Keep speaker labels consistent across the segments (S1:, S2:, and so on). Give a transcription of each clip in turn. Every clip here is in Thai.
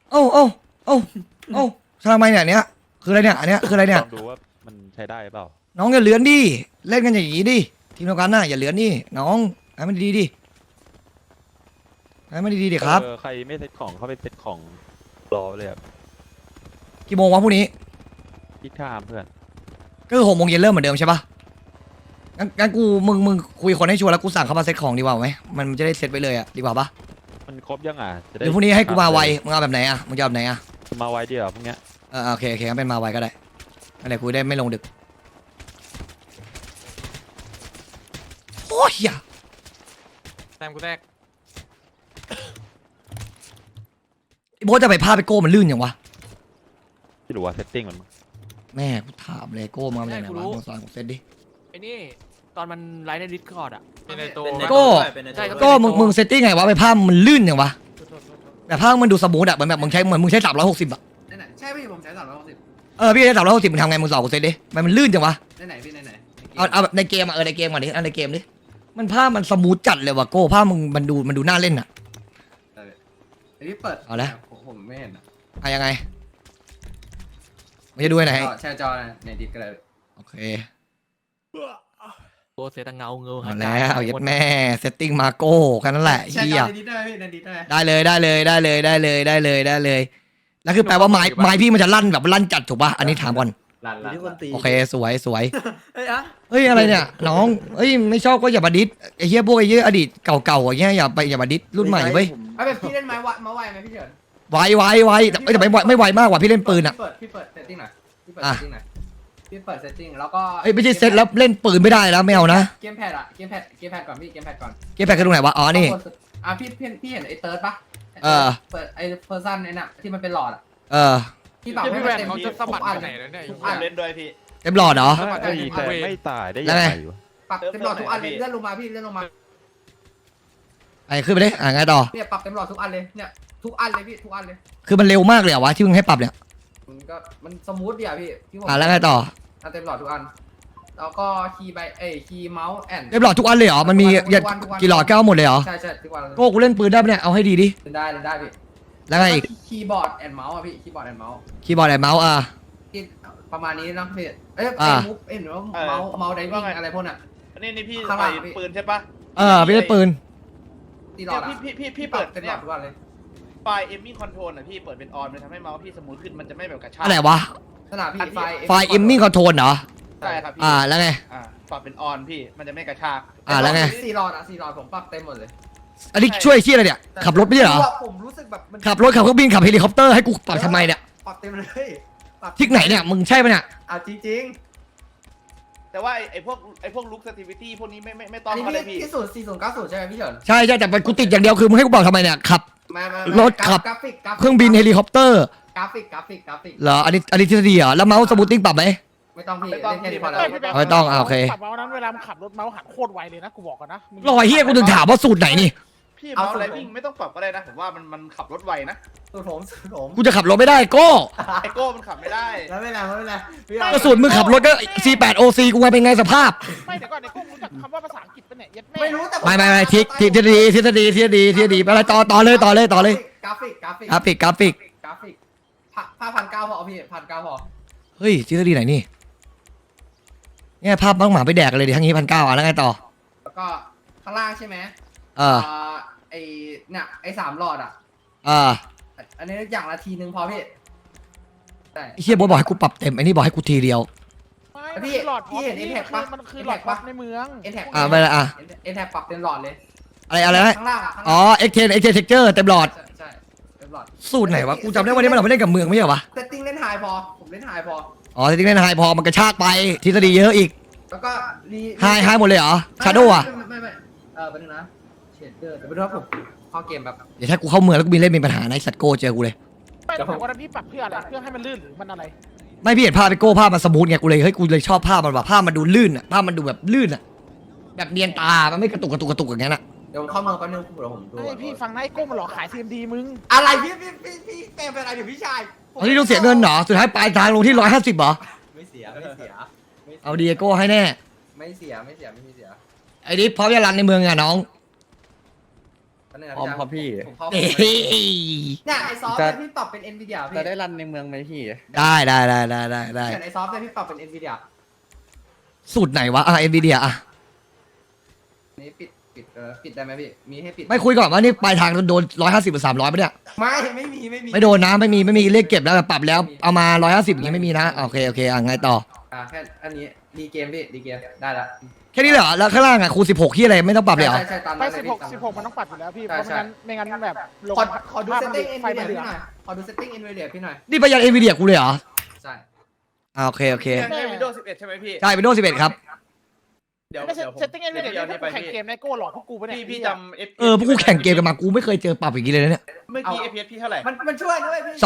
S1: โอ้โอ้โอ้โอ้ทำไมเนี่ยเนี้ยคืออะไรเนี่ยอันเนี้ยคืออะไรเนี่ย
S2: ลองดูว่ามันใช้ได้เปล่า
S1: น้องอย่าเลือนดิเล่นกันอย่างนี้ดิทีมเดียวกันน่ะอย่าเลือนดิน้องให้มันดีดิให้มันดีดิครับ
S2: ใครไม่เซ็ตของเข้าไปเซ็ตของรอเลยครับ
S1: กี่โมงวะพรุ่งนี้
S2: พี่ทามเพื่อน
S1: ก็คือ6 โมงเย็นเริ่มเหมือนเดิมใช่ปะงั้นกูมึงคุยคนให้ชัวร์แล้วกูสั่งเข้ามาเซ็ตของดีกว่าไหมมันจะได้เซ็ตไปเลยอะดีกว่าปะ
S2: มันครบยังจะ
S1: เดี๋ยวพรุ่งนี้ให้กูมาไวมึงเอาแบบไหนอะมึงจะเอาแบบไหนอะ
S2: มาไวเดียวพวกเนี้ย
S1: โอเคงั้นเป็นมาไวก็ได้อะไรกูได้ไม่ลงดึกโอ้ยอย่า
S3: แซมกูแตก
S1: ไอ้โบ๊ทจะไปพาไปโก้มันลื่นอย่างวะ
S2: ที่รู้ว่าเซตติ้งมัน
S1: แม่กูถามเลยโก้มาเป็นยังไงวะมึงสอนกูเซ็ตดิ
S3: ไอ้นี่ตอนมันไลฟ์ในดิสคอร์ดอ่ะเป็นในตัว
S1: โก้
S3: ใช่ครับ
S1: ก็มึงเซตติ้งไงวะไปภาพมันลื่นอย่างวะแต่ภาพมันดูสมูทอะเหมือนแบบมึงใช้360อะ
S4: ไหนใช่พี่ผมใช้360
S1: พี่ใช้360มึงทำไงมึงสอนกูเซตดิมันลื่นจังวะ
S4: ไหนพี่ไหน
S1: เอาแบบในเกมอะในเกมก่อนดิในเกมดิมันภาพมันสมูทจัดเลยว่ะโก้ภาพมึงมันดูน่าเล่นอะ
S4: ไอพี่เปิด
S1: เอาละ
S4: ผมไม่เห็น
S1: ยังไงมันจะดูไหน
S4: แชร์จอในดิสก็ได้
S1: โอเค
S3: โกเซตังเงา
S1: เอาแล้วยัดแม่เซตติ้งมาโก้แค่นั้นแหละ
S4: แชร์
S1: เฮี
S4: จ
S1: ย
S4: อในดิสได้พี่ในดิสได้
S1: ได้เลยแล้วคือแปลว่าไม้พี่มันจะลั่นแบบลั่นจัดถูกป่ะอันนี้ถามก่อน
S4: ลั่น
S5: ที่คนตี
S1: โอเคสวย
S5: เฮ้ยอะ
S1: เฮ้ยอะไรเนี่ยน้องเฮ้ยไม่ชอบก็อย่ามาดิสไอ้เหี้ยพวกไอ้เหี้ยอดีตเก่าๆอย่างเงี้ยอย่ามาดิสรุ่นใหม่เว้ย
S4: ไอแบบพี่เล่นไม้ไวไหมพี่เฉิน
S1: ไวแต่ไม่ไวมากกว่าพี่เล่นปืนอ่ะ
S4: พี่เปิดเซตติ้งหน่อยพี่เปิดเซตติ้งหน่อยพี่เปิดเซตติ้งแล้วก็
S1: เอ้ยไม่ใช่เซตแล้วเล่นปืนไม่ได้แล้วไม่เอานะ
S4: เกมแพดเกมแพดก่อนพี่เกมแพดก่อน
S1: เกมแพดคือตรงไหนวะอ๋อนี่
S4: พี่เห็นไอเติร์ดปะ เปิดไอเพอร์ซันไอน่ะที่มันเป็นหลอดพี่ปรับให้
S3: พี่
S4: มั
S3: แวน น
S4: เต็ม
S3: เขาจะสะบัด
S4: ทุกอัน
S3: ไปไหนแล้วเนี่ย
S4: ทุกอัน
S6: เล่นด้วยพี่
S1: เต็มหลอดเหรอ
S2: แต่ไม่ตายได้
S1: แล้
S2: ยั
S1: ว
S2: ง
S1: ไง
S2: ไงวะ
S4: ปรับเต็มหลอดทุกอันเลยเลื่อนลงมาพี่เลื่อนลงมา
S1: ไอ้ขึ้นไปดิไงต่อ
S4: เนี่ยปรับเต็มหลอดทุกอันเลยเนี่ยทุกอันเลยพี่ทุกอันเลย
S1: คือมันเร็วมากเลยเหรอวะที่มึงให้ปรับเนี่ย
S4: มันสมูทดีอะพี่ที่ผม
S1: แล้วไงต่อ
S4: เต็มหลอดทุกอันแล้วก็คีย์คีย์เมาส์แอน
S1: เต็มหลอดทุกอันเลยเหรอมันมีกี่หลอดก็เอาหมดเลยเหรอ
S4: ใช่ทุกวัน
S1: โก้กูเล่นปืนได้ปะเนี่ยเอาให้ดีดิ
S4: ได้พี่
S1: แล้วไงอีก
S4: คีย์บอร์ดแอนเมาส์อะพี่คีย์บอร์ดแอนเมาส์
S1: คีย์บอร์ดไอ้เมาส์
S4: ที่ประมาณนี้นะพี่มูฟหรือว่าเมาส์ไดวิ่งอะไรพวกน่ะ
S6: นี่พี่
S4: ข้างห
S6: ใส่
S4: ลังพี่
S6: ปืนใช่ปะ
S1: พี่เล่นปืน
S4: ตีหลอดอะ
S6: พี่เปิด
S4: เต็มหล
S6: เนี่
S4: อย ดทุกอันเลย
S6: ไฟเอมมิ่งคอนโทรลอ่ะพี่เปิดเป็นออนมันทำให้เมาส์พี่สมูทขึ้นมันจะไม่แบบกระชาก
S1: อะไรวะ
S4: ขนาดพี่
S1: ไฟล์เอ็มมิ่งคอนโทรลเหรอ
S6: ใช่ครับพี่
S1: แล้วไง
S6: ปรับเป็นออนพี่มันจะไม่กระชาก
S1: แล้วไง
S4: 4 หลอดผมปรับเต็มหมดเลย
S1: อันนี้ช่วยที่อะไรเนี่ยขับรถไม่ใช่เหรอ
S4: ผมรู้สึกแบบมัน
S1: ขับรถขับเครื่องบินขับเฮลิคอปเตอร์ให้กูปรับทำไมเนี่ย
S4: ปรับเต็มเลยปรับ
S1: ที่ไหนเนี่ยมึงใช่ปะเนี่ย
S4: จริง
S6: แต่ว่าไอ้พวกลุคสติวิตี้พวกนี้ไม่
S4: ๆ
S6: ต้อง
S4: อันนี้
S6: อะไร
S4: พี่
S6: พี่
S4: ที่4090ใช่ไหมพี่เฉิน
S1: ใช่แต่กูติดอย่างเดียวคือมึงให้กูปรับทำไมเนี่ยขับ รถขับ
S4: กราฟิก
S1: เครื่องบินเฮลิคอปเตอร์
S4: กราฟิก
S1: เหรออันนี้ทฤษฎีเหรอแล้วเมาส์สมูทติ้งปรับไหม
S4: ไม่ต้องพี่เล่นแค่นี้พอแล้ว
S1: ไม่ต้องโอเค
S7: ขับเมาส์นั้นเวลามันขับรถเมาส์หันโคตรไวเลยนะกูบอกกันนะมึง
S1: รอยเฮียกูถึงถามว่าสูตรไหนนี่
S6: พี่เมาส์ไรวิ่งไม่ต้องปรับก็ได้นะผมว่ามันขับรถไวนะ
S4: สูตรผม
S1: กูจะขับรถไม่ได้โก้
S6: ไอโก้มันขับไม่ได้
S4: แล้วไม่เป็นไรพี่
S1: ก็สูตรมึงขับรถก็ C8 OC กูมาเป็นไงสภาพ
S7: ไม่เดี๋ยวก่อนในกุ้งรู้จักคำว่าภาษาอังกฤษปะเนี่ยยัดแม่
S4: ไม่รู้แต่
S1: ไม่ทฤษฎีอะไรต่อเลย
S4: กราฟิก
S1: กราฟิก
S4: 1,900พอพี่1,900พอ
S1: เฮ้ยทฤษฎีไหนนี่เนี่ยภาพบ้างหมาไปแดกกันเลยดิทั้งนี้1,900แล้วไงต่อ
S4: แล้วก็ข้างล่างใช่ไหมไอเนี่ยไอ3 หลอดอ่ะอันนี้อย่างละทีนึงพอพี่ใช่
S1: ไอ้เฮียบอกให้กูปรับเต็มไอ้นี่บอกให้กูทีเดียว
S7: ไม่
S4: พี่
S7: หลอด
S4: พี่เห็น Impact ปะ
S7: มันคือหลอด
S4: Impact
S7: พั
S4: ปะ
S7: กในเมือง
S4: เอ็นแท็ก
S1: ไม่ละ
S4: เอ็นแท็กปรับเต็มหลอดเลย
S1: อะไรนะ
S4: ข้างล่างอ่ะ
S1: อ๋อ X10 Texture เต็มหลอด
S4: ใช่เต็มหลอด
S1: สูตรไหนวะกูจำได้วันนี้มันเราไปเล่นกับเมืองไม่ใช่เหรอวะ
S4: เซตติ้งเล่นไฮพอผมเล่นไฮพอ
S1: อ๋อจริงๆเล่นไฮพอมันกระชากไปทฤษฎีเยอะอีก
S4: แล้วก็
S1: ไฮหมดเลยเหรอชาโดว์อ่ะ
S4: ไม่แป๊บนึงนะเชดเดอร์เดี๋ยวไปดูว่าผมเข้าเกมแบบ
S1: เดี๋ยวถ้ากูเข้าเมืองแล้วกูมีเล่นมีปัญหาในะไอ้สัตว์โก้เจอกูเลย
S7: ไม่แต่ว่านั้นพี่ปรับเพื่ออะไรเพื่อให้มันลื่นหรือมันอะไร
S1: ไม่พี่เห็นภาพไปโก้ภาพมันสมูทไงกูเลยเฮ้ยกูเลยชอบภาพมันว่ะภาพมันดูลื่นอ่ะภาพมันดูแบบลื่นอ่ะแบบเนียนตามันไม่กระตุกอย่างนั้นอ่ะ
S4: เดี๋ยวผมเข้าเมืองแป๊บนึงเดี๋ยวผมดู
S7: ไอ้พี่ฟังนะไอ้กุ้งมันหลอกขาย CMD มึง
S4: อะไรพี่แปลเป็นอะไรเดี๋ยวพี่ชาย
S1: ตอนนี้ต้องเสียเงินเหรอสุดท้ายปลายทางลงที่150เหรอ
S4: ไม่เสีย
S1: เอาดีโก้ให้แน่
S4: ไม่เสีย
S1: ไอ้ดิพร้อมจะรันในเมืองอ่ะน้อง
S4: แอันนี้นะ
S5: พร้อมครับพี่
S4: ผมเข้า
S1: เอ้ย
S4: เนี่ยไอซอฟต์เนี่ยพี่ปรับเป็น Nvidia พี่
S5: จะได้รันในเมืองไหมพี่
S1: ได้
S4: เขียนไอซอฟต์เนี่ยพี่ปรับเป็น Nvidia
S1: สูตรไหนวะอ่ะเอ็นวีเดียอ่ะ
S4: นี่ปิดปิดได้ไหมพี่มีให้ปิด
S1: ไม่คุยก่อนว่านี่ปลายทางโดน150หรือ300ปะเนี่ย
S4: ไม่มี
S1: ไม่โดนนะไม่มีเลขเก็บแล้วปรับแล้วเอามา150อย่างงี้ไม่มีนะโอเคอ่ะไงต่อ
S4: แค่อันนี้ดีเกมพี่ดีเกมได้ละ
S1: แค่นี้เหรอแล้วข้างล่างอ่ะคูณ16ที่อะไรไม่ต้องปรับเลยเหรอ
S4: ใช่ตาม
S7: ไป
S4: นั้นเลยพี่ตามนั้น
S7: 16มันต้องปัดอยู่แล้วพี่เพ
S4: ใช่
S7: ราะไม่งั้นแบบลง
S4: ขอดู
S7: ภาพ
S4: เซตติ้ง
S7: ไฟมัน
S4: Nvidia
S7: เหลื
S4: พี่
S7: อง
S4: หน่อยขอดูเซตติ้ง Nvidia พี่หน่อย
S1: นี่ประหยัดเอ็นวีเดียกูเลยเหรอ
S4: ใช่
S1: โอเค
S6: ใช่ Windows 11 ใช่ไหมพี่
S1: ใช่ Windows 11ครับ
S6: เดี๋ยว
S7: ไม่ใช่
S6: เดี๋ยวผม
S7: เซตติ้งเอ็นวีเดีย
S6: ดี๋ยว
S7: ที่
S6: ไป
S7: แข่ง
S6: พี่
S7: เกมในโก้หลอกพวกกูปะเนี่ย
S6: พี่จำ FPS
S1: พวกกูแข่งเกมกันมากูไม่เคยเจอปรับอย่างนี้เลยนะเนี่ย
S6: เมื่อกี้ FPS พี่เท่าไหร่
S4: มันช่วยด้วยพี่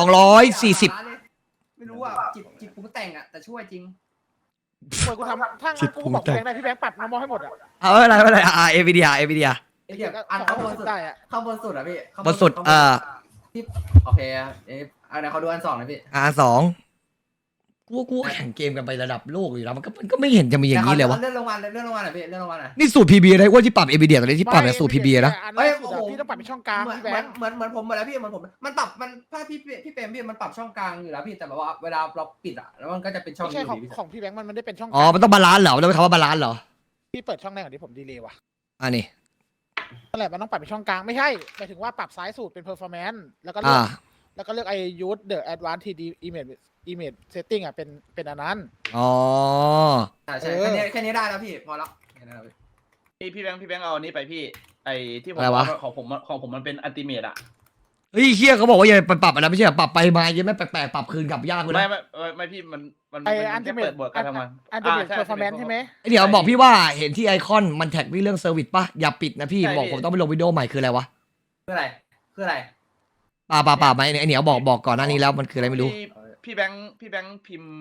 S1: 240
S4: ไม่รู้อ่ะจิตปรุงแต่งอ่ะแต่ช่วยจริง
S7: เปิดกูทำถ้างั้นกูบอกพี่แบงค์ได้พี่แบงค์ปัดน้ำมอให้หมดอ่ะ
S1: เอาไม่เป็นไรเอ็นวีเดีย
S4: ไอ้เดี๋ยวอันข้างบนสุด
S7: ได้อ่ะ
S4: ข้างบนสุดอ่ะพี่ข้าง
S1: บนสุด
S4: ที่โอเคอันไหนเขาดูอันสองหน่อยพี่
S1: R2กูแข่งเกมกันไประดับโลกอยู่แล้วมันก็ไม่เห็นจะมีอย่างนี้เลยวะ
S4: เลื่อนลงมาหน่อยพี่เลื่อนลงมาหน่อย
S1: นี่สูตร PB อะไรว่าที่ปรับ NVIDIA ตอนนี้ที่ปรับเนี่ยสูตร PB นะ
S7: อัน
S4: เฮ้
S7: แร
S4: ย
S7: กสุดอะพี่ต้องปัดเป็นช่องกลาง
S4: เหมือน
S7: พี่แบงค์
S4: เหมือนผมหมดแล้วพี่เหมือนผมมันปรับมันถ้าพี่เปรมพี่มันปรับช่องกลางอยู่แล้วพี่แต่แบบว่าเวลาเราปิดอ่ะแล้วมันก็จะเป็นช่อง
S7: ไม่ใช่
S4: นี้
S7: ของ
S4: อยู่ดี
S7: ของพี่แบงค์มันได้เป็นช่องก
S1: อ๋อ
S7: ลาง
S1: มันต้องบาลานซ์เหรอมันต้องเป็นคำว่าบาลานซ์เหรอ
S7: พี่เปิดช่องแรกก่อนที่ผมดีเลย์ว่ะ
S1: อันนี้
S7: นั่นแหละมันต้องปัดเป็นช่องกลางไม่ใช่หมายถึงว่าปรับซ้ายสุดเป็น performance แล้วก็เลื
S1: อ่า
S7: อกแล้วก็เลือกไอ้ use the advanced 3D image setting อ่ะเป็นอันนั้น
S1: อ๋อ
S4: ใช่แค่นี้ได้แล้วพี่พอแล้วแค่นั้นแล้วพี่
S6: พี่แบงค์เอาอันนี้ไปพี่ ไอ้ที่ผม
S1: อะไรวะ
S6: ของผมมันเป็นอัลติเมทอะ
S1: เฮ้ยเฮียเขาบอกว่าอย่าไปปรับอะไรไม่ใช่เหรอปรับไปมายังไม่แปลกๆปรับคืนกลับยากเลย
S6: ไม่
S1: นะ
S6: ไม่พี่มัน
S7: ไอ้
S6: แค่
S7: ultimate
S6: เปิดบทการทำงาน
S7: ultimate
S6: ใช่
S7: performance ใช่ไหม
S1: ไอ้เดี๋ยวบอกพี่ว่าเห็นที่ไอคอนมันแท็กพี่เรื่องเซอร์วิสป่ะอย่าปิดนะพี่บอกผมต้องไปลงวิดีโอใหม่คืออะไรวะ
S4: คืออะไร
S1: ป่าไหมไอเหนียวบอกก่อนหน้านี้แล้วมันคืออะไรไม่รู้
S6: พี่แบงค์พิมพ์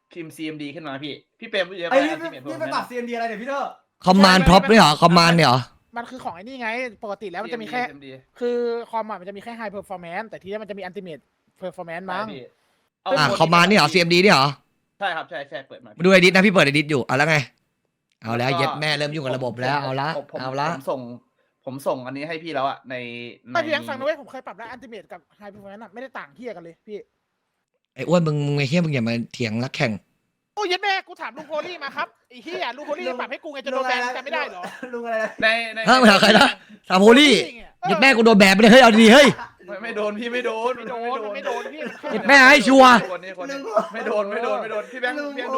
S6: CMD ขึ้นมาพี่เปรมรู้เยอะ
S4: ไอ้
S6: ไป
S4: พี่ไปปรับ CMD อะไรเดี๋ยวพี่เถอะ
S1: คอมมานด์พร็อพเนี่ยเหรอคอมมานด์เนี่ยเหรอ
S7: มันคือของไอ้นี่ไง ปกติแล้วมันจะมีแค่ คือคอมมันจะมีแค่ high performance แต่ทีนี้มันจะมี ultimate performance มั้ง
S1: คอมมานด์เนี่ยเหรอ CMD เนี่ยเหรอ
S6: ใช่ครับใช่เปิดมา
S1: มาดูไอดิสนะพี่เปิดไอดิสอยู่เอาแล้วไงเอาแล้วเย็ดแม่เริ่มยุ่งกับระบบแล้วเอาละ
S6: ผมส่งอันนี้ให้พี่แล้วอะใน
S7: ไม่พี่ยังฟังนะเว้ยผมเคยปรับแล้ว ultimate กับ high performance อะไม่ได้ต่างเที่ยกันเลยพี่
S1: ไอ้อ้วนมึงไอ้เฮียมึงอย่ามาเถียงนักแข่ง
S7: โอ้ยแม่กูถามลุงโพลี่มาครับไอ้เหี้ยลุงโพลี่ปรับให้กูไงจะโดนแบนจำไม่ได้เหรอ
S4: ลุงอะไรนะ
S6: ใน
S1: ฮะมาถามใครนะถามโฮลี่เย็ดแม่กูโดนแบนไปเลยเฮ้ยเอาดีๆเฮ้ย
S6: ไม่โดนพี่ไม่โดน
S7: ไม่โดนมันไม่โดนพี่
S1: เย็ดแม่ให้ชัวร์
S6: ไม่โดนพี่แบงค์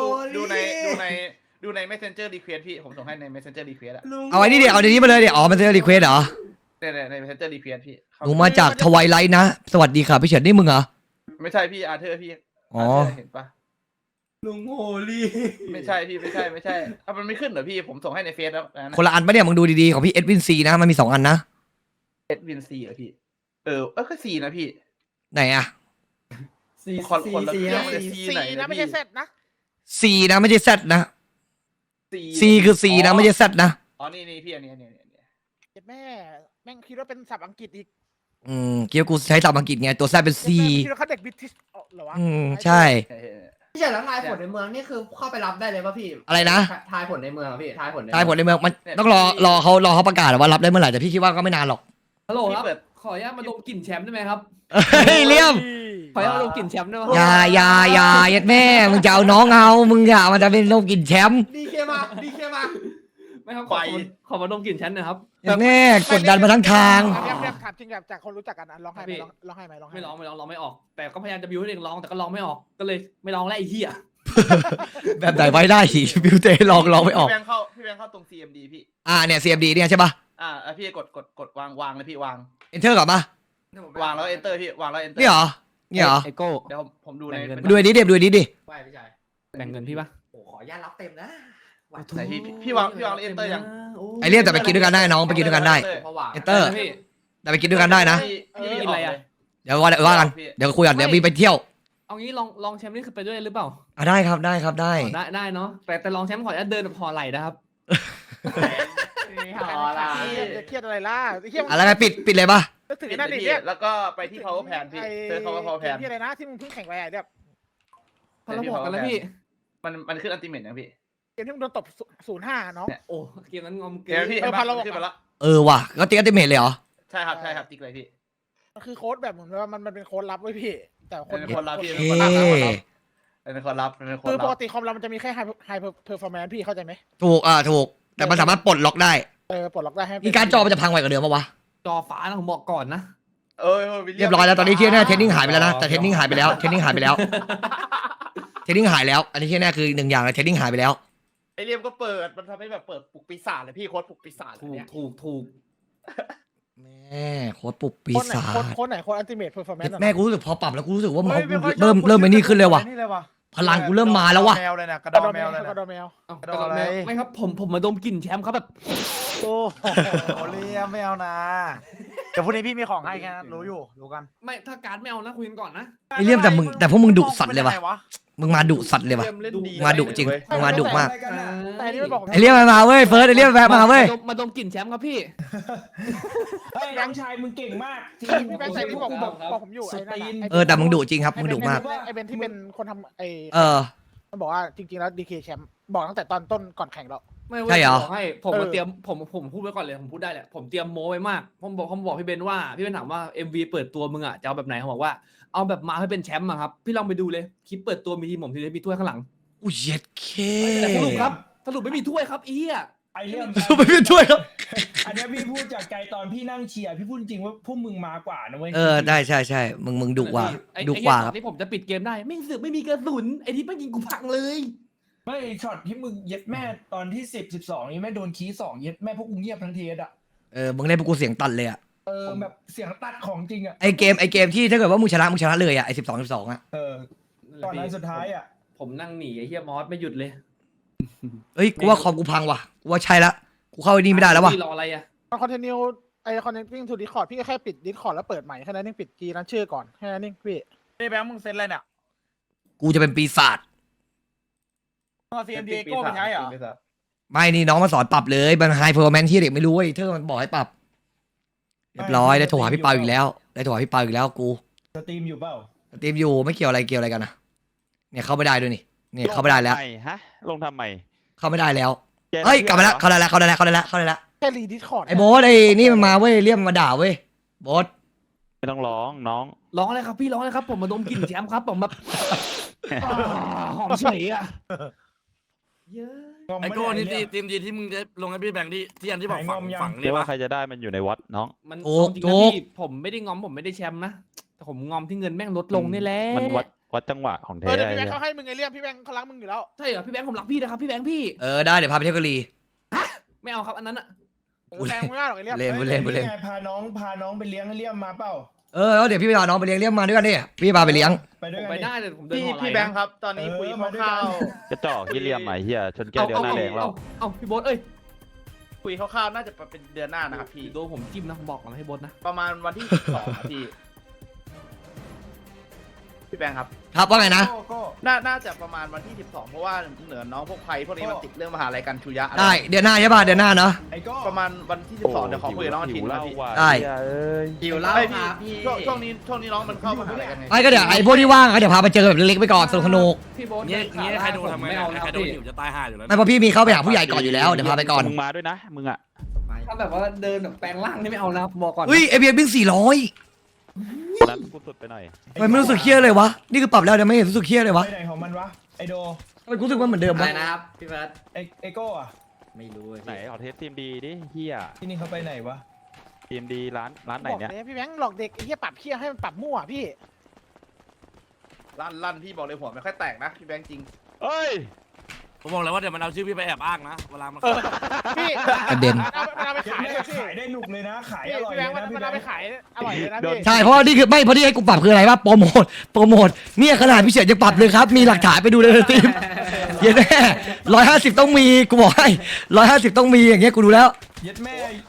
S6: ดูใน Messenger Request พี่ผมส่งให้ใน Messenger Request อะ
S1: เอาไอ้นี่เดี๋ยวเอาเดี๋ยวนี้มาเลยเดี๋ยวอ๋อมันจะรีเควสเหรอ
S6: ใน Messenger Request พี่
S1: หนูมาจากทวายไลท์นะสวัสดีค่ะพี่เฉินนี่มึงเหรอ
S6: ไม่ใช่พี่อาร์เธอร์พี่
S1: อ๋อ
S6: เห็นปะ
S4: ลุงโฮลี่
S6: ไม่ใช่พี่ไม่ใช่มันไม่ขึ้นเหรอพี่ผมส่งให้ในเฟซแล้วนะ
S1: คนละอันปะเนี่ยมึงดูดีๆของพี่เอ็ดวินซีนะมันมี2อันนะ
S6: เอ็ดวินซีเหรอพี่ก็ซีนะพี่
S1: ไหนอะ
S6: คนละ
S4: ซี
S6: เครื่อง
S7: C นะไม่ใช่ Z นะ
S1: C นะไม่ใช่ Z นะ C คือ C นะไม่ใช่ Z นะ
S6: อ๋อนี่พี่อันนี้
S7: เจ็ดแม่แม่งคิดว่าเป็นศัพท์อังกฤษอีก
S1: เกี่ยวกูใช้ศัพท์อังกฤษไงตัว Z เป็น C
S7: คิดว่าเขาเด็กบริติชเหรอวะ
S1: ใช่
S4: พี่เฉินแล้วทายผลในเมืองนี่คือเข้าไปรับได้เลยป่ะพี่
S1: อะไรนะ
S4: ทายผลในเมืองอะพี่ทายผลใน
S1: ใช่ผลในเมืองมันต้องรอเขาประกาศว่ารับได้เมื่อไหร่แต่พี่คิดว่าก็ไม่นานหรอก
S8: ฮัลโหลครับ
S6: พี่เปิด
S8: ขออนุญาตมาดมกลิ่นแชมป์ได้ไหมครับ
S1: เฮ้ยเลี่ยม
S8: ขออนุญาตมาดมกลิ่นแชมป์ได้ไหม
S1: อย่าเย็ดแม่มึงจะเอาน้องเอามึงอย่ามันจะเป็นโรคกินแชมป์
S4: ดีเคมา
S8: ไม่ครับ
S6: ไป
S8: ขอมาดมกลิ่นแชมป์หน่อยครับ
S1: เย็ดแม่กดดันมาทั้งทาง
S7: เรียบถามจริงจากคนรู้จักกันร้องไห้ไหมร้องไห้ไหมร้องไห้
S8: ไม่ร้องร้องไม่ออก แต่ก็พยายามจะบิวให้เองร้องแต่ก็ร้องไม่ออกก็เลยไม่ร้องแล้วไอ้เหี้ย
S1: แบบไหนไว้ได้สิบิวเต้ลองไม่ออก
S6: พี่แบงค์เข้าตรง CMD พี่
S1: เนี่ย CMD เนี่ยใช่ป่ะ
S6: พี่กดวางเลยพี่วาง
S1: Enter ก่อนป่ะ
S6: วางแล้ว Enter พี่วางแล้ว Enter
S1: นี่เหรอนี่เหรอ
S8: ไอโก้
S6: เดี๋ยวผมดูใน
S1: ดูไอ้นี้ดิดูไอ้นี้ดิ
S4: ไหวพี่ชาย
S8: แบ่งเงินพี่ปะ
S4: โอ้ขออนุญาตรับเต็มนะ
S6: ไหนพี่วางแล้ว Enter ยัง
S1: ไอเลี่ยมแต่ไปกินด้วยกันได้น้องไปกินด้วยกันได้
S4: เพราะว่า
S1: Enter
S8: พี่
S1: แต่ไปกินด้วยกันได้นะ
S6: พี่
S8: กินอะไรอะ
S1: เดี๋ยวว่ากันเดี๋ยวคุยกันเดี๋ยวมีไปเที่ยว
S8: เอางี้ลองแชมป์นี่คือไปด้วยหรือเปล่า
S1: ได้ครับได้
S8: ได้เนาะแต่ลองแชมป์ขออนุญาตเดินแบบห่อไหล่นะครับ
S7: เครียดอะไรล่ะเครียด
S1: อะไรไงปิดเลยป่ะ
S7: นึกถึง
S6: ปิด
S7: นั่น
S6: เลย
S7: ดิ
S6: พี่
S7: เนี่ย
S6: แล้วก็ไปที่ power pan พี่เจอ power pan
S7: ที่อะไรนะที่มึงเพิ่งแข่งไปอ่ะเนี่ย
S8: พอเราบอกกันแล้วพี่
S6: มันขึ้นอัลติเมทนะพี่
S7: เกมที่มึงโดนตบ0-5น้อง
S8: โอ้เกมนั้นงอมเก
S6: เดี๋ยว
S8: ม
S6: พี่
S7: พาเราบอก
S6: ขึ้นมาแล้ว
S1: ว่ะก็ติ๊กอัลติเมทเลยเหรอ
S6: ใช่ครับใช่ครับติ๊กเลยพี่
S7: มันคือโค้ดแบบเหมือนว่ามันเป็นโค้ดลับไว้พี่ แต่คน
S6: เป็นคนรับพี่
S1: เอ
S6: เป็นคนรับเป็นคนรับเป็นคน
S7: คือป
S6: รั
S7: ก
S6: บ
S7: ติคอมเรามันจะมีแค่ไฮเพอร์ฟอร์แมนซ์พี่เข้าใจไหม
S1: ถูกถูกแต่มันสามารถปลดล็อกได้
S7: ปลดล็อกได้ให้
S1: อีการจอมันจะพังไวกว่าเดิมปะวะ
S8: จอฟ้านะผมบอกก่อนนะ
S1: เรียบร้อยแล้วตอนนี้ที่แน่เทรนนิ่งหายไปแล้วนะแต่เทรนนิ่งหายไปแล้วเทรนนิ่งหายไปแล้วเทรนนิ่งหายแล้วอันนี้ที่แน่คือหนึ่งอย่างเลยเทรนนิ่งหายไปแล้ว
S6: ไอเรียมก็เปิดมันทำให้แบบเปิดปลุกปีศาจเลยพี่โค้ดปลุกปีศาจ
S8: ถูก
S6: เนี่ย
S8: ถูก
S1: แม่โค้ดปุบปี
S7: โค้ดไหน
S1: ศาจ
S7: โค้ดไหนโค้ดอัลติเมทเพอร์ฟอร์แมนซ์
S1: แม่กูรู้สึกพอปรับแล้วกูรู้สึกว่ามันเริ่มไม่นี่ขึ้นเลยว่ะพลังกูเริ่มมาแล้วว่ะ
S6: แมวเลยนะกระ
S7: ก
S6: ด
S7: ระ
S6: อ
S7: ดอ
S6: แม
S7: แม
S6: ว
S7: ว
S6: เลย
S7: กระด
S6: นะ
S7: อแมว
S8: เอ้า
S6: โดนอะไร
S8: ไม่ครับผมมาดมกลิ่นแชมป์ครับแบบ
S6: โอ้โหเรียมไม่เอานะเดี๋ยวพรุ่งนี้พี่มีของให้แค่นั้นรู้อยู่รู้กัน
S8: ไม่ถ้าการ์ดไม่เอานะคุยกันก่อนนะ
S1: ไอเลี่ยมแต่พวกมึงดุสัตว์เลยว่ะมึงมาดุสัตว์เลยว่ะ
S6: เรียมเล่นดี
S1: มาดุจริงมึงมาดุมาก
S7: แต่อันนี้มันบอก
S1: ไอเลี่ยมมาเว้ยเฟิร์สไอเลี่ยมแวะมาเว้ย
S8: มาดมกลิ่นแชมป์ครับพี่
S5: เฮ้ยน้องชายมึงเก่งมากจริง
S7: พี่แบงค์ใส่ที่บอกผมอยู่ไอ้นั่น
S1: แต่มึงดุจริงครับมึงดุมาก
S7: ไอ้เบนที่เป็นคนทำไอ้
S1: เ
S7: มันบอกว่าจริงๆแล้วดีเคแชมป์บอกตั้งแต่ตอนต้นก่อนแข่งแล้ว
S8: ไม่ว้ย
S1: ใช่เหรอ
S8: ผมบอกให้ผมมาเตรียมผมพูดไว้ก่อนเลยผมพูดได้แหละผมเตรียมโม้ไว้มากผมบอกพี่เบนว่าพี่เบนถามว่า MV เปิดตัวมึงอ่ะจะเอาแบบไหนเขาบอกว่าเอาแบบมาให้เป็นแชมป์อะครับพี่ลองไปดูเลยคลิปเปิดตัวมีทีมผมทีเดียวมีถ้วยข้างหลัง
S1: อุ้ยเย็ดเค
S8: แต่สรุปครับสรุปไม่มีถ้วยครับอีอ่ะ
S5: ไอเรื่อง
S1: ไม่เป็นช่วยครับ
S5: อันเนี้ยพี่พูดจากใจตอนพี่นั่งเชียร์พี่พูดจริงว่าพวกมึงมากว่านะเว้ย
S1: ได้ใช่มึงดุกว่า
S8: ไอ้
S1: ดุกว่า
S8: ไอ้
S1: ครับ
S8: ที่ผมจะปิดเกมได้ไม่สึกไม่มีกระสุนไอ้ที่ไม่ยิงกูพังเลย
S5: ไม่ช็อตที่มึงเย็ดแม่ตอนที่10-12นี่แม่โดนคีย์2เย็ดแม่พวกกูเงียบทั้งเทสอ่ะ
S1: มึงเล่นพวกกูเสียงตันเลยอ่ะ
S5: แบบเสียงตัดของจริงอ่ะ
S1: ไอเกมที่ถ้าเกิดว่ามึงชนะเลยอ่ะไอ12อ่ะ
S5: ตอนนั้นสุดท้ายอ่ะ
S8: ผมนั่งหนีไอ้เฮียมอสไม่หยุดเลย
S1: เฮ้ยกูว่าคอมกูพังว่ะกูว่าใช่ละกูเข้าไอ้นี่ไม่ได้แล้วว่ะ
S8: พี่รออะไรอ่ะ
S7: คอนเทนิวไอ้คอนเทนติ้งทูดิสคอร์ดพี่ก็แค่ปิดดิสคอร์ดแล้วเปิดใหม่แค่นั้นเองปิดกีนั้นชื่อก่อนแค่นั้นเองพี่
S6: นี่แบงค์มึงเซ็นอะไรเนี่ย
S1: กูจะเป็นปีศาจ
S6: เอา CMD โก้ไปใช้เหรอ
S1: ไม่นี่น้องมาสอนปรับเลยมันไฮเพอร์แมนที่เด็กไม่รู้เว้ยเธอมันบอกให้ปรับเรียบร้อยได้โทรหาพี่เปาอีกแล้วกู
S5: สตรีมอยู่เปล่า
S1: สตรีมอยู่ไม่เกี่ยวอะไรกันนะเนี่ยเข้าไม่ได้ด้วยนี่เนี่ยเข้าไม่ได้แล้ว
S2: ลงทำมฮะลงทำไม
S1: เข้าไม่ได้แล้วเฮ้ยกลับมาแล้วเข้าได้แล้ว
S7: แค่รีดิสคอร์ด
S1: ไอ้โบ๊ทไอ้นี่มันมาเว้ยเรียกมันมาด่าเว้ยโบ๊ท
S2: ไม่ต้องร้องน้อง
S8: ร้องอะไรครับพี่ร้องอะไรครับผมมาดมกลิ่นแชมป์ครับผมแบบหอมเฉยอ่ะเยอะ
S5: ไอโก้นี่ตี
S9: ทีมดีที่มึงจะลงให้พี่แบงค์ที่อันที่บอกฝัง
S2: เรียกว่าใครจะได้มันอยู่ในวัดน้อง
S8: มันเอาจริงนะพี่ผมไม่ได้งอมผมไม่ได้แชมป์นะแต่ผมงอมที่เงินแม่งลดลงนี่แหละ
S2: มันวัดจังหวะของแท้
S7: เดี๋ยวพี่แบงค์
S2: ไอ้
S7: เขาให้มึงไงเลี่ยมพี่แบงค์เขารักมึงอยู่แล้ว
S8: ใช่เหรอพี่แบงค์ผมรักพี่นะครับพี่แบงค์พี่
S1: ได้เดี๋ยวพาไปเที่ยวกะลี
S8: ไม่เอาครับอันนั้นอ่ะ
S7: แบงค์ไม่ได้หรอกไอ้เลี่ยม
S1: เล่น
S5: ไงพาน้องไปเลี้ยงให้เลี่ยมมาเปล่า
S1: แล้วเดี๋ยวพี่ไปพาน้องไปเลี้ยงมาด้วยกันดิพี่พาไปเลี้ยง
S5: ไปด้
S8: ผ
S5: วย
S8: ม
S5: กัน
S8: ไป
S5: ดิ
S8: ได้แต่ผมเดิน
S6: พี่
S8: หอไหล
S6: พี่แบงค์ครับตอนนี้คุยคร่าว
S2: กระจอกที่เลี่ยมใหม่เฮียชนแก้วเดียวหน้าแดงเรา
S8: เอาพี่โบ๊ทเอ้ย
S6: ๆคุยคร่าวๆน่าจะเป็นเดือนหน้านะครับพี่
S8: โดนผมจิ้มนะผมบอกก่อนนะให้โบ๊ทนะ
S6: ประมาณวันที่12พี่พี่แบงค์ครับ
S1: ครับว่าไงนะ
S6: น่าจะประมาณวันที่12เพราะว่าเหนือน้องพวกไพพวกนี้มันติดเรื่องมหาลัยกันชูยะอะไร
S1: ได้เดือนหน้าใช่ป่ะเดือนหน้าเนาะ
S5: ไอ้โก้
S6: ประมาณวันที่12เดี๋ยวขอคุยกับน้องอาทิตย์นะพี่
S1: ได้
S4: หิวเหล้า
S6: ไม่
S4: ครับพี่
S6: ช่วงนี้น้องมันเข้ามหาลัยกันไง
S1: ไอ้ก็เดี๋ยวไอ้พวกที่ว่างเดี๋ยวพาไปเจอแบบเล็กๆไปก่อนสนุก
S8: พี่โบ๊ท
S9: เงี้ยใครโดนทำไง
S8: ไม่เอานะ
S9: ใครโดน
S8: พี่
S9: หิวจะตายห่าอยู่แล้ว
S1: ไม่เพราะพี่มีเข้าไปหาผู้ใหญ่ก่อนอยู่แล้วเดี๋ยวพาไปก่อน
S2: มึงมาด้วยนะมึงอ่ะ
S8: ถ้าแบบว่าเดินแบบแปลงร่างนี่ไม่เอานะบอกก่อน
S1: อุ้ยไอเบียร์วิ่ง400
S2: นั้นกูสุดไปหน่อย
S1: ทำไมไม่รู้สึกเครียดเลยวะนี่คือปรับแล้วเดี๋ยวไม่เห็นรู้สึกเครียดเลยวะ
S5: ไปไหนของมันวะไอโด
S1: ทำไมกูรู้สึกว่าเหมือนเดิม
S4: อะไร
S1: วะ
S4: นะครับพี่เฟิร์ส
S5: ไอโก้อะ
S4: ไม่รู้เลย
S2: ไหนขอเทสทีมดีดิเฮีย
S5: ที่นี่เขาไปไหนวะ
S2: ทีมดีร้านไหน
S7: บอก
S2: เนี่ย
S7: เลยพี่แบงค์หลอกเด็กไอ้เหี้ยปรับเคี้ยให้มันปรับมั่วพี่
S6: ลั่นพี่บอกเลยหัวไม่ค่อยแตกนะพี่แบงค์จริง
S2: เอ้ย
S9: ผมบอกเลยว่าเดี๋ยวมันเอาชื่อพี่ไปแอบอ้างนะเวลามัน
S7: พี่
S1: กระเด็น
S7: มันเอาไปขายเลยพี่
S5: ขายได้หนุกเลยนะ ขาย
S7: พี่
S5: อร่อย
S7: พี่แบ
S5: เล
S7: ง
S5: ย
S7: ค์
S5: นะพี่
S7: มัน
S5: แบ
S7: เอา
S5: ง
S7: ไป
S5: ค์
S7: ขายอร่อยเลยนะพี่
S1: ใช่เพราะว่านี่คือไม่เพราะที่ให้กูปรับคืออะไรวะโปรโมทเนี่ยขนาดพี่เฉียดจะปรับเลยครับมีหลักฐานไปดูเลยทีมเย็นแน่150ต้องมีกูบอกให้150ต้องมีอย่างเงี้ยกูดูแล้ว
S5: เย็ดแม่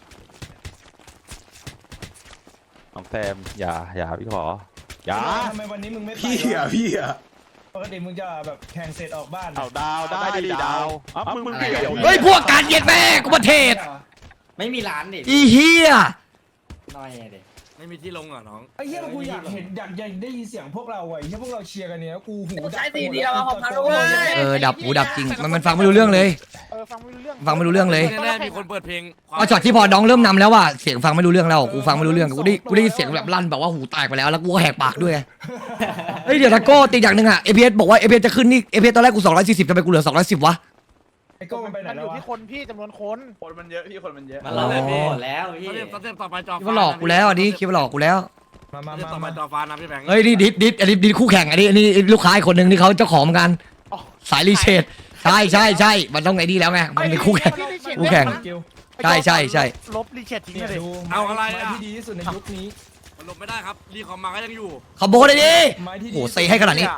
S2: น้องแซมอย่าพี่ขออย่า
S5: ทำไมวันนี้มึงไม่ไป
S10: พี่อ่ะ
S5: ปกติมึงจะแบบแข่งเสร็จออกบ้าน
S2: เอาดาวได้ดิดาวอ้าวมึงเกี่ยว
S1: เฮ้ยพวกการเย็นแม่กูประเทศ
S4: ไม่มีร้านดิ
S1: อีเฮีย
S4: น้อยเด็
S9: ไม่มีที่ลงเหรอน้อง
S5: ไอ้เหี้ยกูอยากเห็นอยากได้ยินเสียงพวกเราไอ้เหี้ยพวกเราเชียร์กันเนี่ยกูหูดับ
S4: ใช้ตีเดียวของพันเว้ย
S1: ดับหูดับจริงมันฟังไม่รู้เรื่องเลย
S7: ฟังไม่รู้เรื่อง
S1: ฟังไม่รู้เรื่องเลย
S9: แน่ๆมีคนเปิดเพลง
S1: พอช็อตที่พอน้องเริ่มนำแล้วว่าเสียงฟังไม่รู้เรื่องแล้วกูฟังไม่รู้เรื่องกูได้ยินเสียงแบบลั่นแบบว่าหูแตกไปแล้วแล้วกูก็แหกปากด้วยไงเฮ้ยเดี๋ยวตะโก้ตีอย่างหนึ่งอะAPSบอกว่า APS จะขึ้นนี่ APS ตอนแรกกู240ทำไมกูเหลือ210วะ
S5: ไอ้โก้มันไปไหน
S7: มันอ
S5: แล้ว
S7: ยู่
S5: วะ
S7: ที่คนพี่จำนวนคน
S6: คนมันเยอะพี่คนมันเยอะ
S9: มันหลอกเลยพี่
S4: แล้วพี่
S9: สเต็ปต่อไปจอ
S1: คิดว่าหลอกกูแล้วอันนี้คิดว่าหลอกกูแล้ว
S5: มา
S9: สเต็ปต่อไปจอฟ้านะพี่แบงค์
S1: เฮ้ยนี่ดิดอันนี้ดิดคู่แข่งอันนี้ลูกค้าอีกคนหนึ่งที่เขาเจ้าของเหมือนกันสายรีเชดใช่มันต้องไอ้นี่แล้วไงมันเป็นคู่แข่ง คู่แข่ง ใช่
S6: ลบรีเช็ดทิ้ง
S5: เนี่ย
S6: เลย
S5: ดู
S9: เอาอะไรอ่ะ
S5: ไม้ที่ดีที่สุดในยุคนี้
S9: มันลบไม่ได้ครับรีคอมมาก็ยังอยู่
S1: ขโมยเลยดิ
S5: ไม้ที่ดี
S1: โหเซให้ขนาดนี้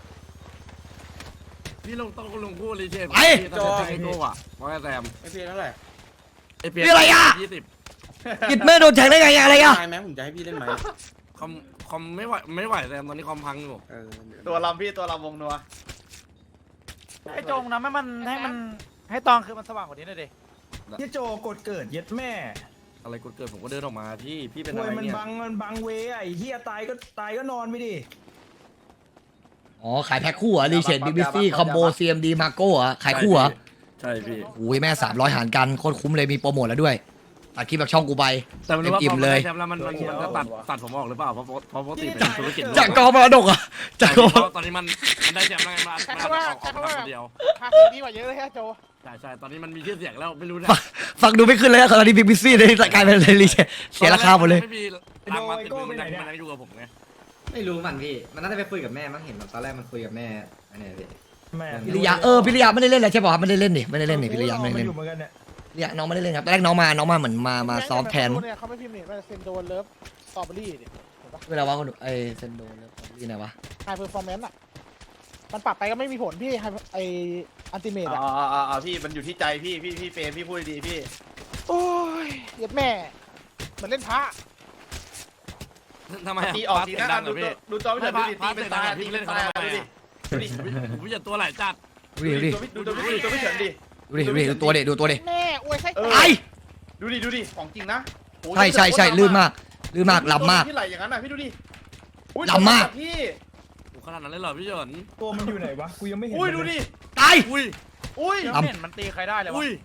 S9: พี่ลงต้องลงคู่รีเชฟ
S1: ไป
S9: จอไอโก้อะว่าไงแซม
S6: ไอพีเท่าไหร่
S9: ไอเปีย
S1: นี่อะไรอะ
S9: 20
S1: กิดแม่โดนแทงได้ไงอะไรอะ
S6: ไหมผมจะให้พี่เล่นไหม
S9: คอมไม่ไหวแซมตอนนี้คอมพังอยู่
S6: ตัวลำพี่ตัวลำวงนัวไอจงนะให้มันให้ตองคือมันสว่างกว่านี้หน่อยดิ
S5: เหี้ยโจกดเกิดเย็ดแม่
S9: อะไรกดเกิดผมก็เดินออกมาพี่เป็น
S5: ป่
S9: อะ
S5: วย
S9: ไร
S5: มัน
S9: เนี่ย
S5: บังเวไอ้เหี้ยตายก็นอนไปดิ
S1: อ๋อขายแพ็คคู่เหรอรีเชดBBC คอมโบ CMD มาโก้เหรอขายคู่เหรอ
S9: ใช่พี่
S1: โอ้ยแม่300หารกันโคตรคุ้มเลยมีโปรโมทแล้วด้วยตัดคลิปแบบช่องกูไป
S9: แต่ไม่รู้ว่า
S1: อิ่
S9: พอ
S1: ม
S9: มัน
S1: เลย
S9: ได้แชมป์แล้วมันจะตัดผมออกหรือเปล่าเพราะปกติเป็นธุรกิจ
S1: จากกองมรดกอะจากกอง
S9: ตอนนี้มันได้แชมป์แล้วไงมาออกคนเดียว
S7: ภาษีดีกว่าเยอะเลยฮะโจ
S9: ใช่ตอนนี้มันมีชื่อเสียงแล้วไม่รู้นะ
S1: ฟังดูไม่ขึ้นเลยอะตอนนี้ BBC เลยกลายเป็นรีเชดเสียราคาหมดเลย
S9: ไม่มีรางวัลติดมือมันยังอยู่กับผมไง
S4: ไม่รู้มันพี่มันน่าจะไปคุยกับแม่มั้งเห็นตอนแรกมันคุยกับแม่อันนี้พี่
S5: แม่
S1: พิริยาพิริยาไม่ได้เล่นเลยใช่ป่ะครับไม่ได้เล่นนี่ไม่ได้เล่นนี่พิริยาไม่ได้
S5: มา
S1: เล่น
S5: อยู่เหมือนกันเนี่ย
S1: พิริยาน้องไม่ได้เล่นครับตอนแรกน้องมาเหมือนมาซ้อมแทน
S7: เนี่ยเขาไม่พิมพ์นี่มันเซนโดนเลิฟสตรอเบอรี่เนี่ยเห็นปะ
S1: เวลาว่าคนไอเซนโดแล้วนี่ไหนวะ
S7: ไฮเพอร์ฟอร์แมนซ์อ่ะมันปรับไปก็ไม่มีผลพี่ไออันติเมตอ่ะ
S6: พี่มันอยู่ที่ใจพี่เฟรมพี่พูดดีพี่
S7: โอ้ยเย็ดแม่เหมือนเล่นพระ
S9: ทำไม
S6: ตีออกที
S9: เสียง
S6: นะ
S9: ดังเหรอพี่
S6: ดูจอไม่ถึงดูดิตีเป็นตา
S9: พี่
S6: ตี
S9: เล่
S6: เป็น น
S9: เขา
S6: ตา
S9: ทำไม
S6: ดูดิ
S9: อ่ะผมจะตัวไหลจัด
S1: ดูดิ
S6: ดูไม่ถึงดิ
S1: ดูตัวเด็ดูตัวเด็
S7: แม่อวยไส้
S1: ไอ
S6: ดูดิของจริงนะ
S1: ใช่ลื่นมากล้ำมาก
S6: ที่ไหลอย่างนั้นน่ะพี่ดูดิ
S1: ลำมาก
S6: พี่
S9: ขนาดนั้นเลยเหรอพี่เฉิน
S5: ตัวมันอยู่ไหนวะกูยังไม่เห็น
S6: อุ้ยดูดิ
S1: ตาย
S9: อุ้ย
S1: ลำ
S6: เห็นมันตีใครได้เลยวะ
S9: อุ้ย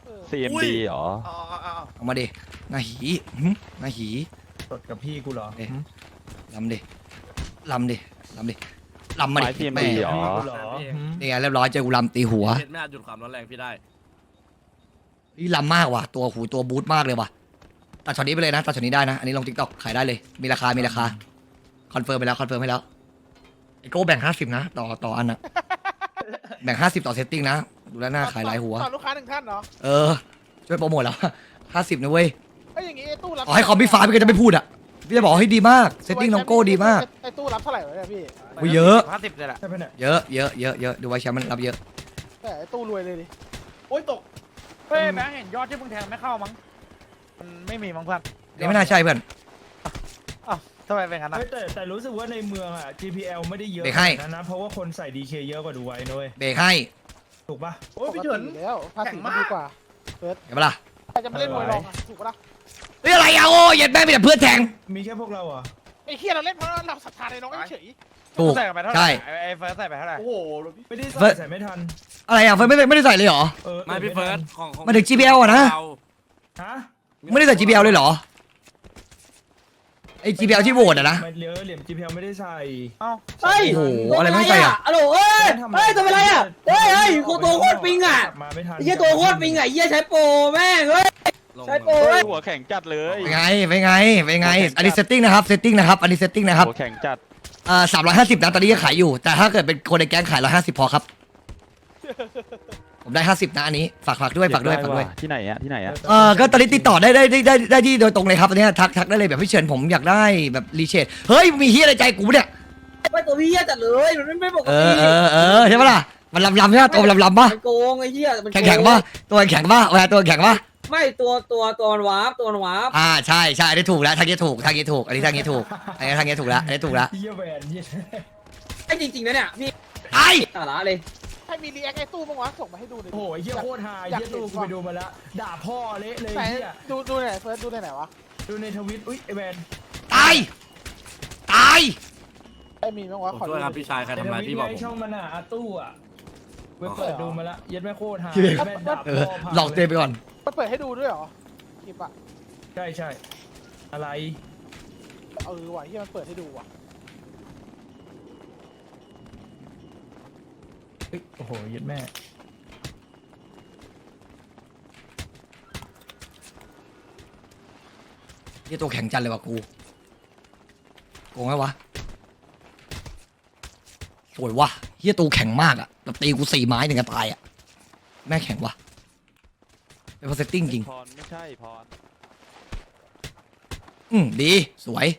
S2: CMD เหรอ
S6: อ๋อ
S1: ออกมาดิหน้าหีหน้าหี
S5: สดกับพี่กูเหรอ
S1: ลำดิลำมา
S2: ไม้
S1: ดิ
S2: TMD
S1: แม่
S2: เหรอ
S5: พี่กูเหรอ
S1: นี่ไงเรียบร้อยเจอกูลำตีหัว
S9: ไม่อาจหยุดความร้อนแรงพี่ได้
S1: นี่ลำมากว่ะตัวตัวบูทมากเลยว่ะตัดช็อตนี้ไปเลยนะตัดช็อตนี้ได้นะอันนี้ลง TikTok ขายได้เลยมีราคาคอนเฟิร์มไปแล้วให้แล้วไอโก้แบ่ง50นะต่ออันนะแบ่ง50ต่อเซตติ้งนะดูแลวหน้าขายหลายหัว
S7: ต่อลูกค้าหนึ่งท่านเหรอ
S1: ช่วยโปรโมทแล้ว50นะเว้ย
S7: ไอ้อย่างงี้ไอ้ตู้รับ
S1: อ๋อให้คอมพี่ฟ้าพี่ก็จะไม่พูดอ่ะพี่จะบอกให้ดีมากเซตติ้งน้องโก้ดีมาก
S7: ไอ้ตู้รับเท่าไหร่วะเนี่ยพี่
S1: อุ้ยเยอะ
S6: 50เลยแหละ
S5: ใช่ปะเนี่ย
S1: เยอะดูไว้แชมป์มันรับเยอะ
S7: แต่ไอ้ตู้รวยเลยดิ
S6: โอ้ยตกเฮ้ยแบงค์เห็นยอดที่มึงแทงไม่เข้ามั้งมันไม่มีมั้งเพื่อน
S1: นี่ไม่น่าใช่เพื่อน
S6: ทำไมเป็นงั้นนะ
S5: เฮ้ยแต่รู้สึกว่าในเมืองอ่ะ GPL ไม่ได้เยอะ
S1: เบรกให้
S5: นะเพราะว่าคนใส่ DK เยอะกว่าดูไว้นะเว้ย
S1: เบรกให้
S5: ถูกปะ
S6: โอ้ยพี่เฉิน
S7: ปกติอยู่แล้วภาษีมันดีกว่า
S1: เห็นปะล่ะ
S7: ใครจะมาเล่นมวยรองอะถูกปะล่ะ
S1: เฮ้ยอะไรอ่ะโอ้ยเย็ดแม่มีแต่เพื่อนแทง
S5: มีแค่พวกเราเหรอ่ะ
S7: ไอ้เฮียเราเล่นเพราะเราศรัทธาในน้องเฉย
S1: ถูก
S6: ใส่ไปเท่าไหร่
S1: ใช่
S6: ไอ้เฟิร์สใส่ไปเท่าไหร่โอ้โห
S5: ไม่ได้
S1: เฟิร์ส
S5: ใส่ไม่ทัน
S1: อะไรอ่ะเฟิร์สไม่ได้ใส่เลยเหรอ
S9: ไม่พี่เฟิร์สของ
S1: มาถึง GPL อะนะ
S5: ฮะ
S1: ไม่ได้ใส่ GPL เลยเหรอไอ้ GPL ที่โหวตอะนะ
S5: มันเหลี่ยม GPL ไม่ได้ใส่
S6: เอ้า
S4: เฮ้ย
S1: โอ้โหอะไรไม่ใส่อ่ะ
S4: ฮัลโหลเฮ้ยตัวเป็นไรอ่ะเฮ้ยตัวโคตรปิงอ่ะ
S5: มาไม่ทัน
S4: ไอ้เหี้ยตัวโคตรปิงอ่ะไอ้เหี้ยใช้โปรแม่งเฮ้ย ใช่โปร
S2: หัวแข็งจัดเลย
S1: เป็นไงอันนี้เซตติ้งนะครับอันนี้เซตติ้งนะครับ
S2: หัวแข็งจัด
S1: 350นะตอนนี้ยังขายอยู่แต่ถ้าเกิดเป็นคนในแก๊งขาย150พอครับผมได้50นะอันนี้ฝากด้วย
S2: ที่ไหนอะที่ไหนอะ
S1: ก็ตอนนี้ติดต่อได้ที่โดยตรงเลยครับตอนนี้ทักได้เลยแบบพี่เฉินผมอยากได้แบบรีเชดเฮ้ยมีเฮียอะไรใจกูเนี่ย
S4: ไม่ตัวพี่เหี้ยจัดเลยมันไม่ปกติ
S1: ใช่ปะล่ะมันลำใช่ปะตัวมันลำปะ
S4: มันโกงไอ้เหี้ยมันโกง
S1: แข็งปะตัวแข็งปะเวลาตัวแข็งปะ
S4: ไม่ตัวมันวาร์ปตัวมันวาร์ป
S1: ใช่อันนี้ถูกแล้วทางนี้ถูกอันนี้ทางนี้ถูกแล้วอันนี้ถูกแล้ว
S5: เหี้ยแหวนเหี้ย
S4: ไอ้จริงๆนะเนี่ยพี่
S1: ไอ้
S4: สาระเลย
S7: ใครมีรีแอคไอ้ตู้บ้างวะส่งมาให้ดูหน่อย
S5: โอ้โหเหี้ยโคตรฮาเหี้ยตู้กูไปดูมาแล้วด่าพ่อเละเลย
S7: ไหน
S5: เหี้ย
S7: ดูไหนเฟิร์สดูไหนวะ
S5: ดูในทวิตอุ้ยไอแวน
S1: ไายตาย
S7: ไอ้มีมั้งวะ
S9: ผม
S7: ขอ
S9: ช่วยครับพี่ชายใครทำร้ายพี่บอกผม
S5: ช่องมันอ่ะอาตู้อ่ะไปเปิดดูมาละเย็ดแม่โคตรหา
S1: พี่เบน
S5: แม่ดับ
S1: เออหลอกเตไปก่อน
S7: มันเปิดให้ดูด้วยเหรอคลิปอะ
S5: ใช่ใช่อะไร
S7: ว่ะที่มันเปิดให้ดูว่ะ
S5: เอ้ยโอ้โหเย็ดแม่
S1: เฮียตัวแข็งจันเลยว่ะกูโกงไหมวะสวยว่ะเฮียตัวแข็งมากอะแบบตีกู4 ไม้ถึงจะตายอะแม่แข็งว่ะเป็นเพอร์เซตติ้งจริง
S2: พรไม่ใช่พร
S1: ดีสวย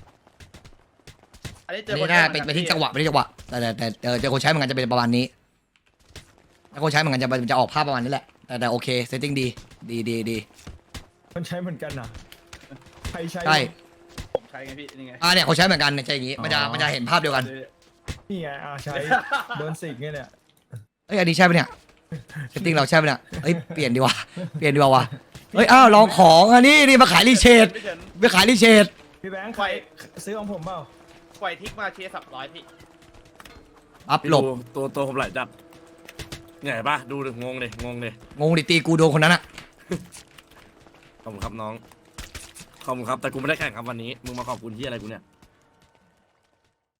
S6: อันนี้เจ
S1: อั
S6: อน
S1: นี้น่าเป็นที่จังหวะเป็นที่จังหวะแต่เจอคนใช้เหมือนกันจะเป็นประมาณนี้ถ้าคนใช้เหมือนกันจะออกภาพประมาณนี้แหละแต่โอเคเซตติ้งดี
S5: มันใช้เหมือนกันนะใครใช้
S1: ใช่
S6: ผมใช้ไงพี่นี่ไง
S1: เนี่ยเขาใช้เหมือนกันเนี่ยใช่อย่างงี้มันจะเห็นภาพเดียวกัน
S5: นี่ไงใช้โดนสิกเนี่ย
S1: เอ้ยอันนี้ใช่ปะเนี่ยเซตติ้งเราใช่ปะเนี่ยเอ้ยเปลี่ยนดีกว่าว่ะเฮ้ยอ้าวลองของอันนี้นี่มาขายรีเชด
S6: พี่เฉิน
S1: ไปขายรีเชด
S5: พี่แบงค์ใครซื้อของผมเปล่า
S6: ปล่อยทิกมาเชียร์300พี่
S1: ปั๊บหลบ
S9: ตัวผมไหลจัดไงปะดูดิงงดิ
S1: งงดิตีกูโดนคนนั้นอะ
S9: ขอบคุณครับน้องขอบคุณครับแต่กูไม่ได้แข่งครับวันนี้มึงมาขอบคุณที่อะไรกูเนี่ย